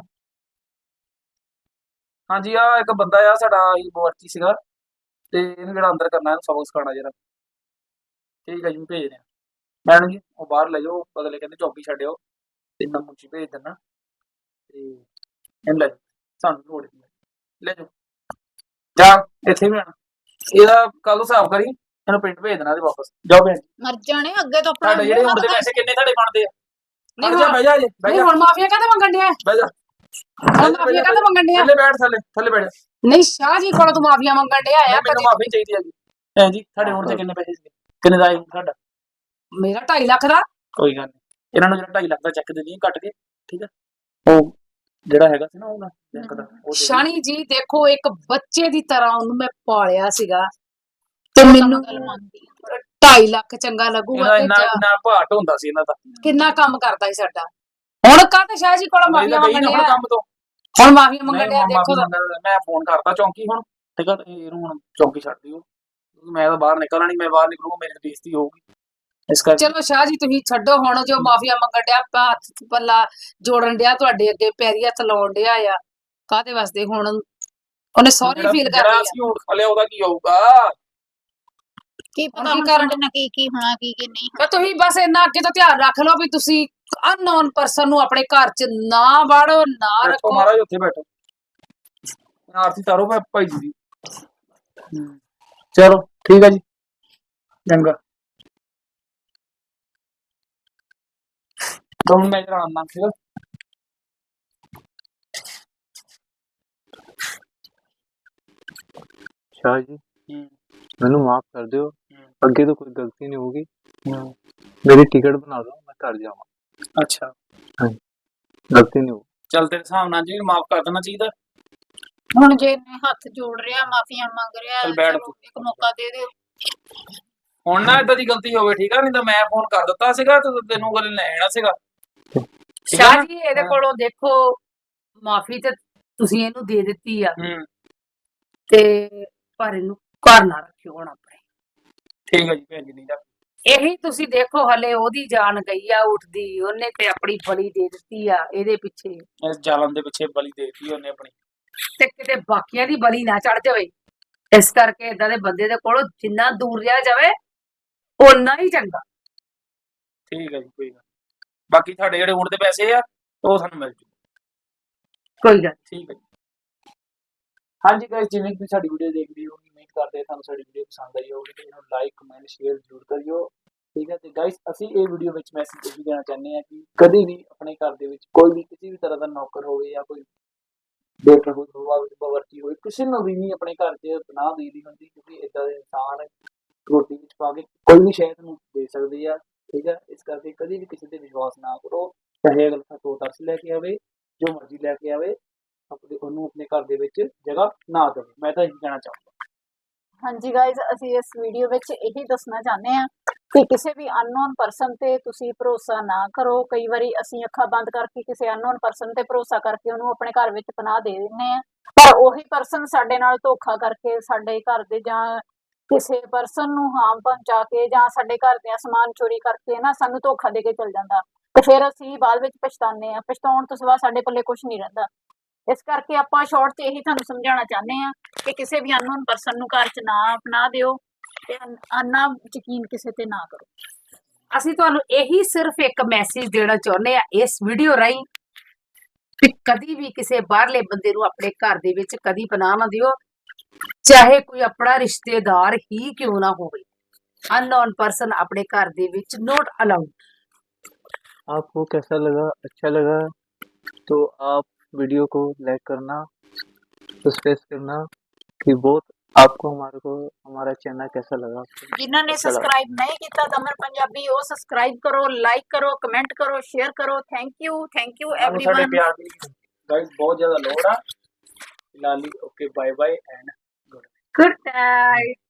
Speaker 3: ਹਾਂਜੀ, ਆ ਇੱਕ ਬੰਦਾ ਆ ਸਾਡਾ ਬਵਰਚੀ ਸੀਗਾ, ਤੇ ਇਹਨੂੰ ਜਿਹੜਾ ਅੰਦਰ ਕਰਨਾ, ਇਹਨੂੰ ਸਬਕ ਸਿਖਾਉਣਾ ਜਰਾ। ਠੀਕ ਹੈ ਜੀ, ਭੇਜ ਰਿਹਾ ਮੈਡਮ ਜੀ। ਉਹ ਬਾਹਰ ਲੈ ਜਾਓ, ਬਦਲੇ ਕਹਿੰਦੇ ਚੌਕੀ ਛੱਡਿਓ, ਤੇ ਮੈਂ ਮੁੰਚੀ ਭੇਜ ਦਿੰਦਾ, ਤੇ ਇਹਨੂੰ ਲੈ ਜਾਓ, ਸਾਨੂੰ ਲੋੜ ਨਹੀਂ, ਲੈ ਜਾਓ। ਜਾ ਇੱਥੇ ਵੀ ਆਣਾ, ਇਹਦਾ ਕੱਲ ਨੂੰ ਹਿਸਾਬ ਕਰੀ, ਇਹਨੂੰ ਪਿੰਡ ਭੇਜ ਦੇਣਾ ਤੇ ਵਾਪਸ ਜਾਓ। ਭੈਣ
Speaker 2: ਮਰ ਜਾਣੇ ਅੱਗੇ ਤੋਂ ਆਪਣਾ
Speaker 3: ਤੁਹਾਡੇ ਜਿਹੜੇ ਹੁਣ ਦੇ ਪੈਸੇ ਕਿੰਨੇ ਤੁਹਾਡੇ ਬਣਦੇ ਆ?
Speaker 1: ਨਹੀਂ
Speaker 3: ਬਹਿ ਜਾ ਜੀ, ਬਹਿ
Speaker 1: ਨਹੀਂ
Speaker 3: ਜਾ,
Speaker 1: ਹੁਣ ਮਾਫੀਆ ਕਾਹਦੇ ਮੰਗਣ ਡਿਆ?
Speaker 3: ਬਹਿ ਜਾ,
Speaker 1: ਹੁਣ ਮਾਫੀਆ ਕਾਹਦੇ ਮੰਗਣ ਡਿਆ?
Speaker 3: ਥੱਲੇ ਬੈਠ, ਥੱਲੇ ਬੈਠ।
Speaker 1: ਨਹੀਂ ਸ਼ਾਹ ਜੀ ਕੋਲੋਂ ਤੂੰ ਮਾਫੀਆ ਮੰਗਣ ਡਿਆ ਆ?
Speaker 3: ਮੈਨੂੰ ਮਾਫੀ ਚਾਹੀਦੀ ਹੈ ਜੀ। ਭੈਣ ਜੀ, ਤੁਹਾਡੇ ਹੁਣ ਤੇ ਕਿੰਨੇ ਪੈਸੇ ਸੀਗੇ? ਕਿੰਨੇ ਦਾ ਆਇਆ ਤੁਹਾਡਾ?
Speaker 1: ਮੇਰਾ 2.5 ਲੱਖ ਦਾ।
Speaker 3: ਕੋਈ ਗੱਲ ਨਹੀਂ, ਇਹਨਾਂ ਨੂੰ ਜਿਹੜਾ 2.5 ਲੱਖ ਦਾ ਚੈੱਕ ਦੇ ਦਈਏ ਕੱਟ ਕੇ, ਠੀਕ ਹੈ? ਉਹ ਜਿਹੜਾ ਹੈਗਾ ਸੀ ਨਾ ਉਹਦਾ ਬੈਂਕ ਦਾ, ਉਹ ਦੇ
Speaker 1: ਸ਼ਾਨੀ ਜੀ ਦੇਖੋ, ਇੱਕ ਬੱਚੇ ਦੀ ਤਰ੍ਹਾਂ ਉਹਨੂੰ ਮੈਂ ਪਾਲਿਆ ਸੀਗਾ, ਤੇ ਮੈਨੂੰ
Speaker 2: ਗੱਲ ਮੰਨਦੀ ਆ।
Speaker 1: 2.5 ਲੱਖ ਚੰਗਾ ਲੱਗੂਗਾ
Speaker 3: ਇਹਦਾ
Speaker 1: ਕਿ
Speaker 3: ਇੰਨਾ
Speaker 1: ਜਾਂ
Speaker 3: ਇੰਨਾ ਭਾਟ ਹੁੰਦਾ ਸੀ ਇਹਨਾਂ ਦਾ।
Speaker 1: ਕਿੰਨਾ ਕੰਮ ਕਰਦਾ ਸੀ ਸਾਡਾ। ਹੁਣ ਕਾਹਤੇ ਸ਼ਾਹ ਜੀ ਕੋਲ ਮਾਫੀਆ
Speaker 3: ਇਹਦਾ ਗਈ
Speaker 1: ਮੰਗਣ
Speaker 3: ਨਾ ਹੁਣ
Speaker 1: ਡਿਆ,
Speaker 3: ਕੰਮ ਤੋਂ।
Speaker 1: ਹੁਣ ਮਾਫੀਆ ਮੰਗਣ
Speaker 3: ਨਹੀਂ
Speaker 1: ਡਿਆ ਦੇਖੋ ਤਾਂ।
Speaker 3: ਮੈਂ ਫੋਨ ਕਰਤਾ ਚੌਂਕੀ ਹੁਣ, ਠੀਕ ਆ, ਇਹਨੂੰ ਹੁਣ ਚੌਂਕੀ ਛੱਡ ਦਿਓ, ਮੈਂ ਤਾਂ ਬਾਹਰ ਨਿਕਲਣਾ ਨਹੀਂ, ਮੈਂ ਬਾਹਰ ਨਿਕਲੂਗਾ ਮੇਰੀ ਬੇਇੱਜ਼ਤੀ ਹੋਊਗੀ, ਇਸ ਕਰਕੇ।
Speaker 1: ਚਲੋ ਸ਼ਾਹ ਜੀ ਤੁਸੀਂ ਛੱਡੋ ਹੁਣ, ਜੋ ਮਾਫੀਆ ਮੰਗਣ ਡਿਆ ਆਪਾਂ ਹੱਥ ਪੱਲਾ ਜੋੜਨ ਡਿਆ ਤੁਹਾਡੇ ਅੱਗੇ, ਪੈਰੀ ਹੱਥ ਲਾਉਣ ਡਿਆ ਆ, ਕਾਹਦੇ ਵਾਸਤੇ ਹੁਣ ਉਹਨੇ ਸੌਰੀ ਫੀਲ
Speaker 3: ਜਿਹੜਾ
Speaker 1: ਕਰਨੀ ਆ।
Speaker 3: ਅਸੀਂ ਊਠ ਖਾ ਲਿਆ ਉਹਦਾ ਕੀ ਹੋਊਗਾ?
Speaker 2: ਕੀ
Speaker 1: ਹੁਣ
Speaker 2: ਪਤਾ
Speaker 1: ਕੀ
Speaker 2: ਹੁਣ
Speaker 1: ਕਰਨ?
Speaker 2: ਸਾਡੇ ਨਾਲ ਕੀ ਹੋਣਾ ਕੀ ਨਹੀਂ।
Speaker 1: ਪਰ ਤੁਸੀਂ ਬਸ ਇੰਨਾ ਅੱਗੇ ਤੋਂ ਧਿਆਨ ਰੱਖ ਲਓ ਵੀ ਤੁਸੀਂ ਅਨਨੋਨ ਪਰਸਨ ਨੂੰ ਆਪਣੇ ਘਰ 'ਚ ਨਾ ਵਾੜੋ, ਨਾ
Speaker 3: ਬੈਠੋ
Speaker 1: ਰੱਖੋ।
Speaker 3: ਮਹਾਰਾਜ, ਉੱਥੇ ਬੈਠੋ, ਆਰਤੀ ਤਾਰੋ ਭਾਈ ਜੀ ਦੀ। ਚਲੋ ਠੀਕ ਹੈ ਜੀ, ਚੰਗਾ। ਹੁਣ ਮੈਂ ਜਰਾ ਆਉਂਦਾ ਸੀਗਾ।
Speaker 4: शाह जी मैनू माफ कर दियो, अगे तो कोई गलती नहीं होगी, मेरी टिकट बना दो, मैं घर जाऊंगा।
Speaker 3: अच्छा,
Speaker 4: गलती नहीं होगी।
Speaker 3: ਚੱਲ ਤੇਰੇ ਹਿਸਾਬ ਨਾਲ ਜੀ ਮਾਫ ਕਰ ਦੇਣਾ ਚਾਹੀਦਾ।
Speaker 2: ਹੁਣ ਜੇ ਇਹਨੇ ਹੱਥ ਜੋੜ ਰਿਹਾ, ਮਾਫੀਆਂ ਮੰਗ ਰਿਹਾ,
Speaker 3: ਚੱਲ ਬੈਠ
Speaker 2: ਚਲੋ ਇੱਕ ਮੌਕਾ ਦੇ ਦਿਓ।
Speaker 3: ਹੁਣ ਨਾ ਏਦਾਂ ਦੀ ਗਲਤੀ ਹੋਵੇ, ਠੀਕ ਆ, ਨਹੀਂ ਤਾਂ ਮੈਂ ਫੋਨ ਕਰ ਦਿੱਤਾ ਸੀਗਾ ਤੇ ਤੈਨੂੰ ਗੱਲ ਲੈਣਾ ਸੀਗਾ। ਠੀਕ ਆ
Speaker 1: ਸ਼ਾਹ
Speaker 3: ਨਾ?
Speaker 1: ਜੀ ਇਹਦੇ ਕੋਲੋਂ ਦੇਖੋ ਮਾਫੀ ਤੇ ਤੁਸੀਂ ਇਹਨੂੰ ਦੇ ਦਿੱਤੀ ਆ, ਤੇ ਪਰ ਇਹਨੂੰ ਘਰ ਨਾ ਰੱਖਿਓ ਹੁਣ ਆਪਣੇ।
Speaker 3: ਠੀਕ ਹੈ ਜੀ ਭੈਣ ਜੀ, ਨਹੀਂ ਤਾਂ
Speaker 1: ਇਹੀ ਤੁਸੀਂ ਦੇਖੋ ਹਲੇ ਉਹਦੀ ਜਾਨ ਗਈ ਆ ਉੱਠਦੀ, ਉਹਨੇ ਤੇ ਆਪਣੀ ਬਲੀ ਦੇ ਦਿੱਤੀ ਆ ਇਹਦੇ ਪਿੱਛੇ,
Speaker 3: ਇਸ ਜ਼ਾਲਮ ਦੇ ਪਿੱਛੇ ਬਲੀ ਦੇ ਦਿੱਤੀ ਉਹਨੇ ਆਪਣੀ।
Speaker 1: ਤੇ ਕਿਤੇ ਬਾਕੀਆਂ ਦੀ ਬਲੀ ਨਾ ਚੜ ਜਾਵੇ। ਇਸ ਕਰਕੇ ਏਦਾਂ ਦੇ ਬੰਦੇ ਦੇ ਕੋਲੋਂ ਜਿੰਨਾ ਦੂਰ ਰਿਹਾ ਜਾਵੇ ਓਨਾ ਹੀ ਚੰਗਾ।
Speaker 3: ਠੀਕ ਹੈ ਜੀ, ਕੋਈ ਗੱਲ। ਬਾਕੀ ਤੁਹਾਡੇ ਜਿਹੜੇ ਊਠ ਦੇ ਪੈਸੇ ਆ ਉਹ ਸਾਨੂੰ ਮਿਲ ਜੂ।
Speaker 1: ਕੋਈ ਗੱਲ
Speaker 3: ਠੀਕ ਹੈ ਜੀ। ਹਾਂਜੀ ਗਾਇਸ, ਜਿਵੇਂ ਕਿ ਸਾਡੀ ਵੀਡੀਓ ਦੇਖਦੇ ਹੋ, ਉਮੀਦ ਕਰਦੇ ਤੁਹਾਨੂੰ ਸਾਡੀ ਵੀਡੀਓ ਪਸੰਦ ਆਈ ਹੋਵੇਗੀ ਤੇ ਇਹਨੂੰ ਲਾਈਕ ਕਮੈਂਟ ਸ਼ੇਅਰ ਜ਼ਰੂਰ ਕਰਿਓ, ਠੀਕ ਹੈ। ਤੇ ਗਾਇਸ ਅਸੀਂ ਇਹ ਵੀਡੀਓ ਵਿੱਚ ਮੈਸੇਜ ਇਹ ਦੇਣਾ ਚਾਹੁੰਦੇ ਹਾਂ ਕਿ ਕਦੇ ਵੀ ਆਪਣੇ ਘਰ ਦੇ ਵਿੱਚ ਕੋਈ ਵੀ ਕਿਸੇ ਵੀ ਤਰ੍ਹਾਂ ਦਾ ਨੌਕਰ ਹੋਵੇ ਜਾਂ ਕੋਈ ਬੇਟਾ ਹੋਵੇ, ਬਾਵਰਚੀ ਹੋਵੇ, ਕਿਸੇ ਨੂੰ ਵੀ ਨਹੀਂ ਆਪਣੇ ਘਰ 'ਚ ਪਨਾਹ ਦੇਣੀ ਹੁੰਦੀ, ਕਿਉਂਕਿ ਇਦਾਂ ਦੇ ਇਨਸਾਨ ਰੋਟੀ ਵਿੱਚ ਪਾ ਕੇ ਕੋਈ ਵੀ ਸ਼ਾਇਦ ਨੂੰ ਦੇ ਸਕਦੇ ਆ, ਠੀਕ ਹੈ। ਇਸ ਕਰਕੇ ਕਦੇ ਵੀ ਕਿਸੇ ਤੇ ਵਿਸ਼ਵਾਸ ਨਾ ਕਰੋ, ਚਾਹੇ ਅਗਲਾ ਤੋਂ ਤਰਸ ਲੈ ਕੇ ਆਵੇ, ਜੋ ਮਰਜ਼ੀ ਲੈ ਕੇ ਆਵੇ, ਉਹਨੂੰ ਆਪਣੇ ਘਰ ਦੇ ਵਿੱਚ ਜਗ੍ਹਾ ਨਾ ਦੇਵੇ। ਮੈਂ ਤਾਂ ਇਹੀ ਕਹਿਣਾ ਚਾਹੁੰਦਾ।
Speaker 2: ਹਾਂਜੀ ਗਾਇਜ਼, ਅਸੀਂ ਇਸ ਵੀਡੀਓ ਵਿੱਚ ਇਹੀ ਦੱਸਣਾ ਚਾਹੁੰਦੇ ਹਾਂ ਕਿ ਕਿਸੇ ਵੀ ਅਨਨੋਨ ਪਰਸਨ ਤੇ ਤੁਸੀਂ ਭਰੋਸਾ ਨਾ ਕਰੋ। ਕਈ ਵਾਰੀ ਅਸੀਂ ਅੱਖਾਂ ਬੰਦ ਕਰਕੇ ਕਿਸੇ ਅਨਨੋਨ ਪਰਸਨ ਤੇ ਭਰੋਸਾ ਕਰਕੇ ਉਹਨੂੰ ਆਪਣੇ ਘਰ ਵਿੱਚ ਪਨਾਹ ਦੇ ਦਿੰਦੇ ਆ, ਪਰ ਉਹੀ ਪਰਸਨ ਸਾਡੇ ਨਾਲ ਧੋਖਾ ਕਰਕੇ ਸਾਡੇ ਘਰ ਦੇ ਜਾਂ ਕਿਸੇ ਪਰਸਨ ਨੂੰ ਹਾਰਮ ਪਹੁੰਚਾ ਕੇ ਜਾਂ ਸਾਡੇ ਘਰ ਦੇ ਸਮਾਨ ਚੋਰੀ ਕਰਕੇ ਨਾ ਸਾਨੂੰ ਧੋਖਾ ਦੇ ਕੇ ਚਲ ਜਾਂਦਾ, ਤੇ ਫਿਰ ਅਸੀਂ ਬਾਅਦ ਵਿੱਚ ਪਛਤਾਉਂਦੇ ਆ। ਪਛਤਾਉਣ ਤੋਂ ਸਿਵਾ ਸਾਡੇ ਪੱਲੇ ਕੁਝ ਨਹੀਂ ਰਹਿੰਦਾ। ਇਸ ਕਰਕੇ ਆਪਾਂ ਸ਼ਾਰਟ 'ਚ ਇਹੀ ਤੁਹਾਨੂੰ ਸਮਝਾਉਣਾ ਚਾਹੁੰਦੇ ਆ ਕਿ ਕਿਸੇ ਵੀ ਅਨਨੋਨ ਪਰਸਨ ਨੂੰ ਘਰ 'ਚ ਨਾ ਅਪਣਾ ਦਿਓ ਤੇ ਅੰਨਾ ਯਕੀਨ ਕਿਸੇ ਤੇ ਨਾ ਕਰੋ।
Speaker 1: ਅਸੀਂ ਤੁਹਾਨੂੰ ਇਹੀ ਸਿਰਫ ਇੱਕ ਮੈਸੇਜ ਦੇਣਾ ਚਾਹੁੰਦੇ ਆ ਇਸ ਵੀਡੀਓ ਰਾਹੀਂ ਕਿ ਕਦੀ ਵੀ ਕਿਸੇ ਬਾਹਰਲੇ ਬੰਦੇ ਨੂੰ ਆਪਣੇ ਘਰ ਦੇ ਵਿੱਚ ਕਦੀ ਪਨਾਹ ਨਾ ਦਿਓ, ਚਾਹੇ ਕੋਈ ਆਪਣਾ ਰਿਸ਼ਤੇਦਾਰ ਹੀ ਕਿਉਂ ਨਾ ਹੋਵੇ। ਅਨਨੋਨ ਪਰਸਨ ਆਪਣੇ ਘਰ ਦੇ ਵਿੱਚ ਨੋਟ ਅਲਾउड।
Speaker 4: आपको कैसा लगा? अच्छा लगा तो आप वीडियो को लाइक करना, सब्सक्राइब करना कि बहुत आपको हमारा चैनल कैसा लगा।
Speaker 2: जिन्होंने
Speaker 4: अच्छा लगा।
Speaker 2: सब्सक्राइब नहीं किया दमन पंजाबी वो सब्सक्राइब करो, लाइक करो, कमेंट करो, शेयर करो। थैंक यू
Speaker 3: ਸਾਨੂੰ ਸਾਡੇ
Speaker 2: एवरीवन।
Speaker 3: ਪਿਆਰ ਦੀ ਗਾਇਸ ਬਹੁਤ ਜ਼ਿਆਦਾ ਲੋੜ ਆ। ਫਿਲਹਾਲ okay, bye bye and
Speaker 1: good night.